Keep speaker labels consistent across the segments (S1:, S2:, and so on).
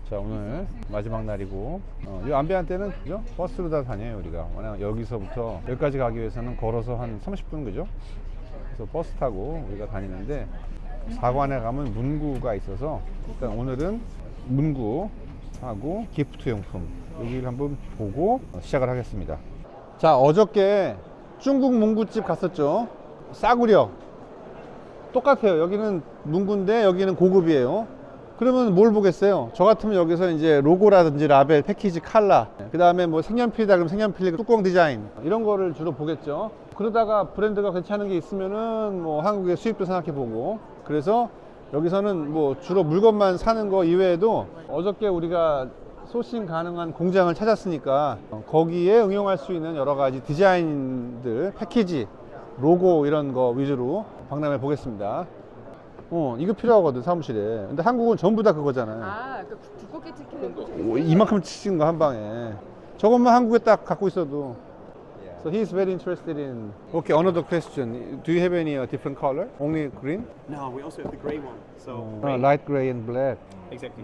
S1: 자, 오늘 마지막 날이고 이 안배한 때는 그죠? 버스로 다 다녀요 우리가. 워낙 여기서부터 여기까지 가기 위해서는 걸어서 한 30분 그죠? 그래서 버스 타고 우리가 다니는데 사관에 가면 문구가 있어서 일단 오늘은 문구하고 기프트용품 여기를 한번 보고 시작을 하겠습니다. 자, 어저께 중국 문구집 갔었죠. 싸구려 똑같아요. 여기는 문구인데 여기는 고급이에요. 그러면 뭘 보겠어요? 저 같으면 여기서 이제 로고라든지 라벨, 패키지, 칼라, 그 다음에 뭐 색연필이다 그러면 색연필, 뚜껑 디자인 이런 거를 주로 보겠죠. 그러다가 브랜드가 괜찮은 게 있으면은 뭐 한국의 수입도 생각해 보고, 그래서 여기서는 뭐 주로 물건만 사는 거 이외에도 어저께 우리가 소싱 가능한 공장을 찾았으니까 거기에 응용할 수 있는 여러 가지 디자인들, 패키지, 로고 이런 거 위주로 박람회 보겠습니다. 이거 필요하거든 사무실에. 근데 한국은 전부 다 그거잖아요.
S2: 아, 그 두껍게 찍히는 거.
S1: 이만큼 찍은 거 한 방에. 저것만 한국에 딱 갖고 있어도. So he's very interested in. Okay, another question. Do you have any different color? Only green?
S3: No, we also have the grey one. So
S1: Light gray and black.
S3: exactly.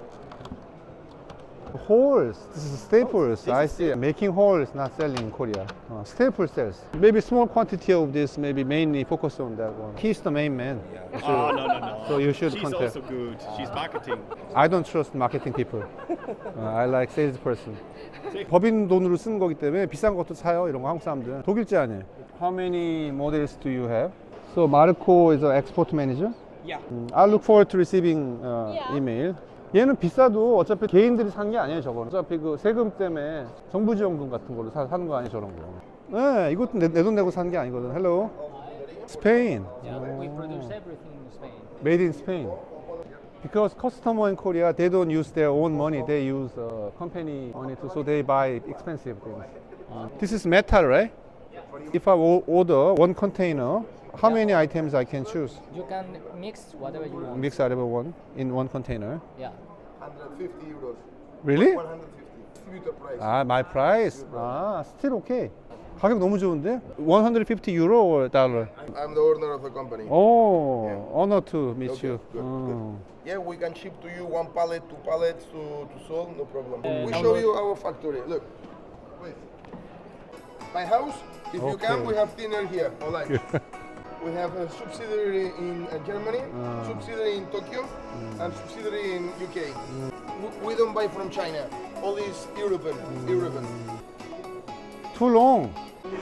S1: Holes. This is staples. I see. Making holes, not selling in Korea. Staple sales. Maybe small quantity of this. Maybe mainly focus on that one. He's the main man.
S3: Oh no.
S1: So you should
S3: She's
S1: contact.
S3: also good. She's marketing.
S1: I don't trust marketing people. I like salesperson. 법인 돈으로 쓰는 거기 때문에 비싼 것도 사요. 이런 거 한국 사람들은. 독일제 아니에요. How many models do you have? So Marco is an export manager.
S3: Yeah.
S1: I look forward to receiving email. 얘는 비싸도 어차피 개인들이 산 게 아니에요. 저거는 어차피 그 세금 때문에 정부 지원금 같은 걸로 사는 거 아니에요. 저런 거. 네, 이것도 내 돈 내고 산 게 아니거든. Hello. Spain.
S4: Yeah, we produce everything in Spain.
S1: Made in Spain. Because customer in Korea, they don't use their own money. They use company money too, so they buy expensive things. This is metal, right? If I order one container, how many items I can choose?
S4: You can mix whatever you want.
S1: Mix whatever one in one container.
S4: Yeah.
S5: 150 euros.
S1: Really?
S5: 150. Distributor price.
S1: Ah, my price. Ah, still okay. 가격 너무 좋은데? 150 euro or dollar?
S5: I'm the owner of the company.
S1: Oh, honor to meet
S5: Okay,
S1: you.
S5: good,
S1: Oh.
S5: Yeah, we can ship to you one pallet, two pallets to Seoul, no problem. We
S4: how
S5: show
S4: much?
S5: you our factory. Look, wait. My house, if you can,
S1: Okay.
S5: we have dinner here. All right. We have a subsidiary in Germany, subsidiary in Tokyo, and subsidiary in UK. We don't buy from China. All is European. European.
S1: Too long.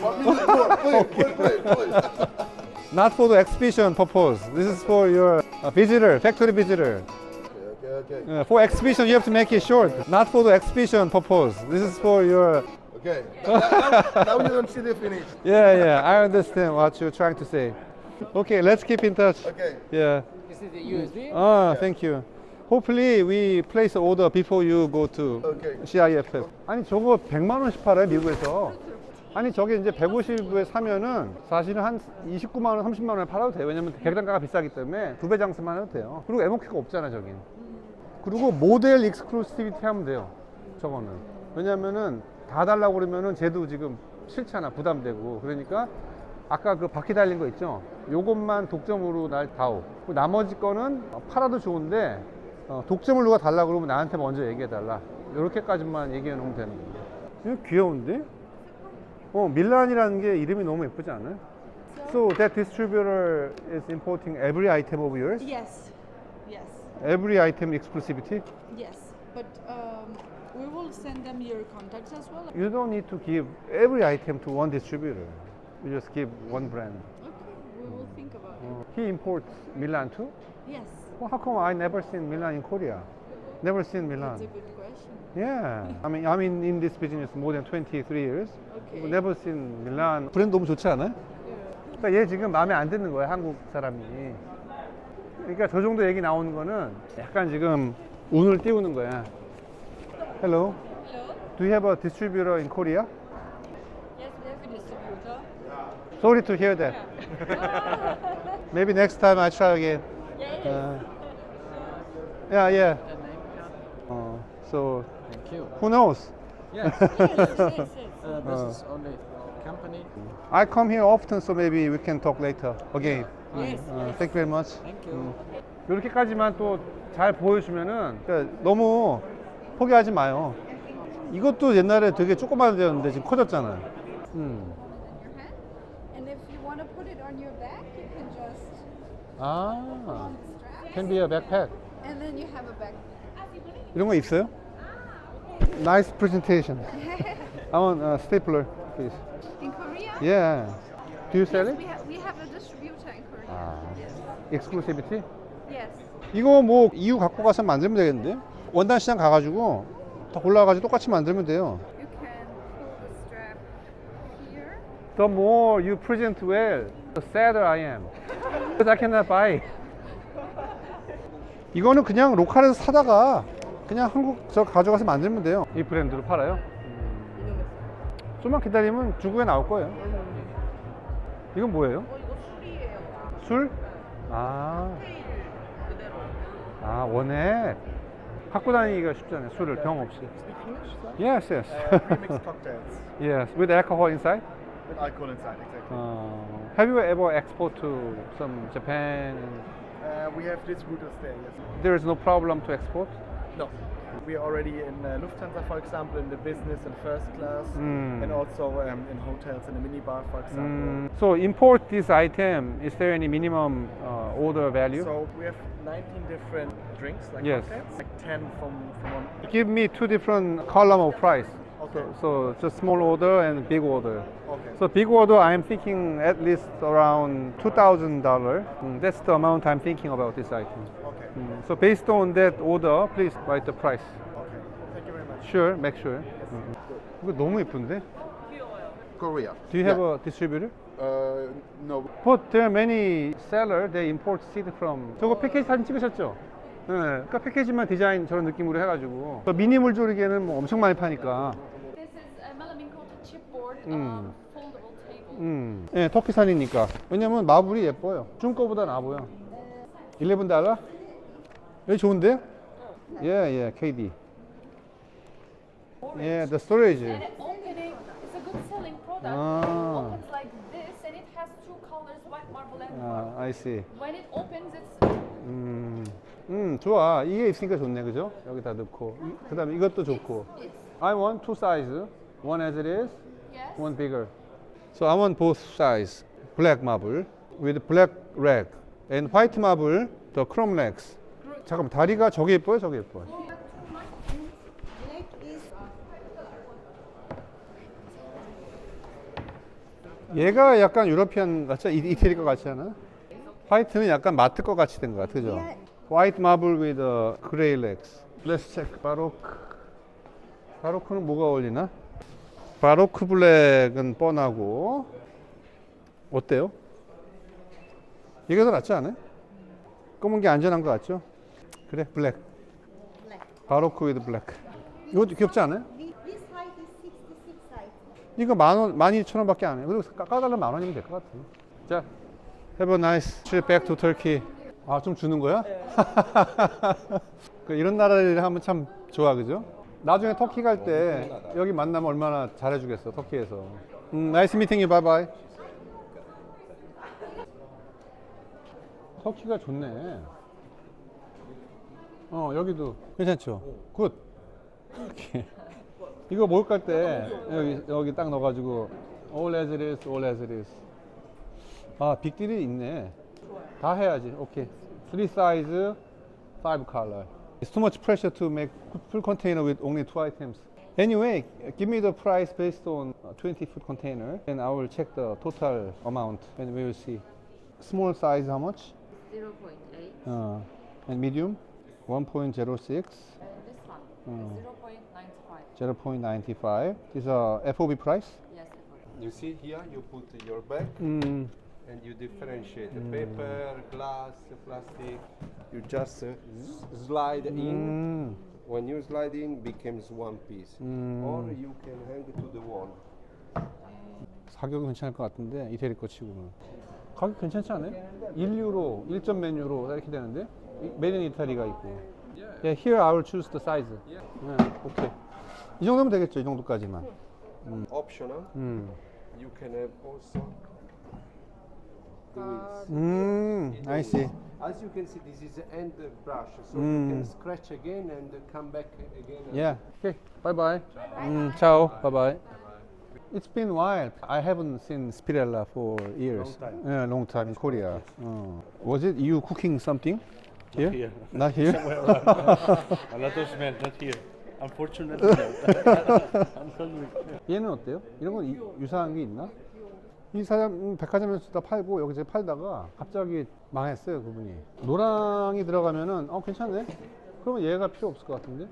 S5: Please.
S1: Not for the exhibition purpose. This is for your visitor, factory visitor.
S5: Okay.
S1: For exhibition, you have to make it short. Not for the exhibition purpose. This is for your.
S5: Okay. Now you don't see the finish.
S1: Yeah. I understand what you're trying to say. Okay, let's keep in touch.
S5: Okay.
S1: Yeah.
S4: This is the USB.
S1: Thank you. Hopefully we place order before you go to
S5: Okay.
S1: CIFF. 아니 저거 100만 원씩 팔아요 미국에서. 아니 저게 이제 150에 사면은 사실은 한 29만 원, 30만 원에 팔아도 돼요. 왜냐면 계량가가 비싸기 때문에 2배 장사만 해도 돼요. 그리고 MOQ가 없잖아 저긴. 그리고 모델 익스클루시비티 하면 돼요. 저거는. 왜냐면은 다 달라고 그러면은 쟤도 지금 싫잖아. 부담되고. 그러니까 아까 그 바퀴 달린 거 있죠? 요것만 독점으로 날 다오. 나머지 거는 팔아도 좋은데 독점을 누가 달라고 그러면 나한테 먼저 얘기해 달라. 요렇게까지만 얘기해 놓으면 되는 거예요. 이거 귀여운데? 밀란이라는 게 이름이 너무 예쁘지 않아요? So that distributor is importing every item of yours?
S2: Yes, yes,
S1: Every item exclusivity?
S2: yes. But we will send them your contacts as well.
S1: You don't need to give every item to one distributor. You just give one brand.
S2: Okay, we will think about it.
S1: He imports Milan too?
S2: Yes,
S1: Well, how come I never seen Milan in Korea? Never seen
S2: that's
S1: Milan.
S2: a good question.
S1: Yeah. I mean, I'm in this business more than 23 years.
S2: Okay.
S1: Never seen Milan. 브랜드 너무 좋지 않아요? 그러니까 얘 지금 마음에 안 드는 거야, 한국 사람이. 그러니까 저 정도 얘기 나오는 거는 약간 지금 운을 띄우는 거야. Hello.
S2: Hello?
S1: Do you have a distributor in Korea?
S2: Yes, we have a distributor.
S1: Sorry to hear that. Maybe next time I try again. Yeah. So
S4: Thank you.
S1: who knows?
S4: Yes.
S2: Yes.
S4: This is only company.
S1: I come here often, so maybe we can talk later again.
S2: Yes.
S1: Thank you very much.
S4: Thank you.
S1: 이렇게까지만 또 잘 보여주면은 그러니까 너무 포기하지 마요. 이것도 옛날에 되게 조그만 데였는데 지금 커졌잖아요.
S2: your hand. And if you want to put it on your back, you can just
S1: 아,
S2: on the strap.
S1: can be a backpack.
S2: And then you have a back.
S1: 이런 거 있어요? Nice presentation. I want a stapler, please.
S2: In Korea?
S1: Yeah. Do you sell
S2: Yes,
S1: it?
S2: we have a distributor in Korea.
S1: 아,
S2: Yes.
S1: exclusivity?
S2: Yes.
S1: 이거 뭐 EU 갖고 가서 만들면 되겠는데? 원단 시장 가가지고 다 골라가지고 똑같이 만들면 돼요.
S2: You can pull the strap here.
S1: The more you present well, the sadder I am. Because I cannot buy. 이거는 그냥 로컬에서 사다가 그냥 한국 저 가져가서 만들면 돼요. 이 브랜드로 팔아요. 좀만 기다리면 중국에 나올 거예요. 이건 뭐예요?
S2: 이거 술이에요.
S1: 술? 아. 아, 원액. 갖고 다니기가 쉽잖아요. 술을 병 없이. Yes, yes.
S3: Premixed cocktails
S1: Yes, with alcohol inside.
S3: with alcohol inside, exactly.
S1: Have you ever export to some Japan?
S3: We have distributors there, yes.
S1: There is no problem to export.
S3: No. We are already in Lufthansa, for example, in the business and first class, and also in hotels in the minibar, for example.
S1: So import this item. Is there any minimum order value?
S3: So we have 19 different drinks, like
S1: Yes.
S3: cocktails, like 10 from one.
S1: Give me two different column of price.
S3: Okay.
S1: So just small order and big order.
S3: Okay.
S1: So big order, I'm thinking at least around $2,000. That's the amount I'm thinking about this item.
S3: Okay.
S1: So based on that order, please write the price.
S3: Okay. Thank you very much.
S1: Sure, make sure. 이거 너무 예쁜데?
S5: Korea.
S1: Do you have a distributor?
S5: No.
S1: But there are many sellers. They import seed from. 저거 패키지 사진 찍으셨죠? 네. 그러니까 패키지만 디자인 저런 느낌으로 해가지고. 미니 물조리개는 뭐 엄청 많이 파니까.
S2: This is a melamine coated chipboard foldable table.
S1: 네, 터키산이니까. 왜냐면 마블이 예뻐요. 중 거보다 나아 보여. $11? 여기 좋은데? 예, KD. 예, the storage.
S2: And it opening is a good selling product.
S1: Ah.
S2: It opens like this and it has two colors, white marble and marble.
S1: I see.
S2: When it opens, it's
S1: 좋아. 이게 있으니까 좋네, 그죠? 여기다 넣고. 그 다음에 이것도 좋고. I want two size. One as it is,
S2: yes.
S1: one bigger. So I want both size. Black marble with black rag and white marble, the chrome legs. 잠깐만, 다리가 저게 예뻐요? 저게 예뻐요? 얘가 약간 유러피안 같지? 이태리 거 같지 않아? 화이트는 약간 마트 거 같이 된 것 같아, 그죠? White marble with gray legs. Let's check 바로크. 바로크는 뭐가 어울리나? 바로크 블랙은 뻔하고. 어때요? 이게 더 낫지 않아요? 검은 게 안전한 것 같죠? 그래, 블랙. 바로크 with 블랙. 이것도 귀엽지 않아요?
S6: This height is 66 height.
S1: 이거 12,000원밖에 안 해. 그리고 깎아달라면 10,000원이면 될 것 같아. 자, have a nice trip back to Turkey. 아, 좀 주는 거야? 이런 나라를 하면 참 좋아, 그죠? 나중에 터키 갈 때 여기 만나면 얼마나 잘해주겠어, 터키에서. Nice meeting you, bye bye. 터키가 좋네. 여기도 괜찮죠? 굿. 이렇게. 이거 목욕 갈 때 여기 딱 넣어가지고 all as it is, all as it is. 아, 빅딜이 있네. 다 해야지. 오케이. 3 size, 5 color. It's too much pressure to make full container with only 2 items. Anyway, give me the price based on 20-foot container, and I will check the total amount, and we will see. Small size, how much?
S7: 0.8.
S1: And medium? 1.06.
S7: This one, 0.95.
S1: 0.95. This is a FOB price?
S7: Yes.
S8: You see here, you put your bag and you differentiate the paper, glass, plastic. You just slide in. When you slide in, becomes one piece. Or you can hang it to the wall.
S1: 가격은 괜찮을 것 같은데 이태리 거 치고는 가격 괜찮지 않아요? 1유로, 1점 메뉴로 이렇게 되는데 메인 이탈리가 있고. Yeah, here I will choose the size. 오케이. 이 정도면 되겠죠? 이 정도까지만.
S8: Optional. You can have also the wheels.
S1: I see.
S8: As you can see, this is the end brush, so you can scratch again and come back again.
S1: Yeah. Okay. Bye bye. Ciao. Bye bye. It's been a while. I haven't seen Spirella for years. Long time. Yeah, long time in Korea. Was it you cooking something? Here?
S9: Here.
S1: Not here?
S9: A lot of smell, not here. Unfortunately, unfortunately.
S1: 얘는 어때요? 이런 건 유사한 게 있나? 이 사람 백화점에서 다 팔고 여기서 팔다가 갑자기 망했어요, 그분이. 노랑이 들어가면은 괜찮네. 그러면 얘가 필요 없을 것 같은데.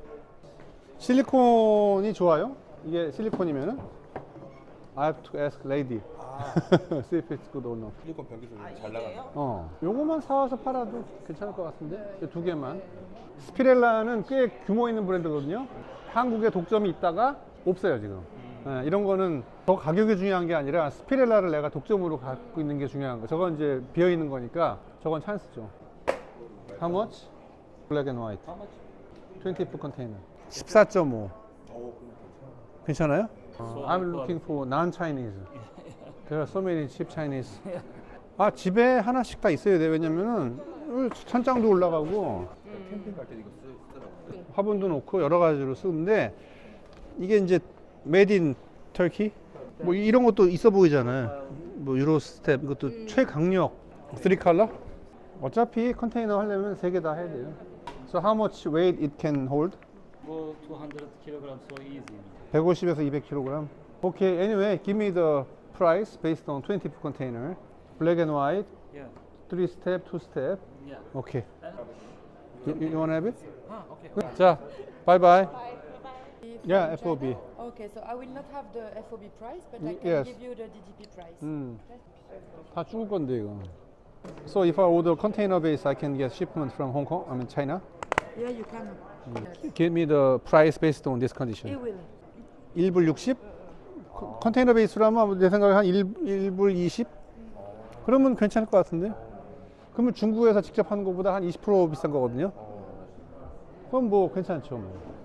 S1: 실리콘이 좋아요? 이게 실리콘이면은 I have to ask lady. See if it's good or not.
S9: 실리콘 변기 좀 잘 나가요.
S1: 요거만 사와서 팔아도 괜찮을 것 같은데. 이 두 개만. 스피렐라는 꽤 규모 있는 브랜드거든요. 한국에 독점이 있다가 없어요 지금. 이런 거는 더 가격이 중요한 게 아니라 스피렐라를 내가 독점으로 갖고 있는 게 중요한 거. 저건 이제 비어 있는 거니까 저건 찬스죠. How much? Black and white. 20 container. 14.5. 괜찮아요? I'm looking for non-Chinese. There are so many cheap Chinese. 집에 하나씩 다 있어야 돼. 왜냐면은 천장도 올라가고
S9: 캠핑 갈 때 이거 쓰더라고요.
S1: 화분도 놓고 여러 가지로 쓰는데 이게 이제 made in Turkey 뭐 이런 것도 있어 보이잖아요. 뭐 유로 스텝 이것도 최강력 3컬러. 어차피 컨테이너 하려면 3개 다 해야 돼요. So how much weight it can hold?
S9: Go 200 kilograms so easy.
S1: 150에서 200kg. Okay, anyway, give me the price based on 20 container. Black and white,
S9: Yeah.
S1: 3 step, 2 step.
S9: Yeah.
S1: Okay. You want to have it?
S9: Okay.
S1: 자, bye bye.
S2: From
S1: Yeah,
S2: China?
S1: FOB.
S2: Okay, so I will not have the FOB price, but I can
S1: Yes.
S2: give you the DDP price.
S1: 다 죽을 건데 이거. So if I order container base, I can get shipment from Hong Kong. I mean China.
S2: Yeah, you can.
S1: Give me the price based on this condition.
S2: It will.
S1: 1불 60? 컨테이너 베이스라면 내 생각에 한 1불 20? 그러면 괜찮을 것 같은데? 그러면 중국에서 직접 하는 것보다 한 20% 비싼 거거든요? 그럼 뭐 괜찮죠. 뭐.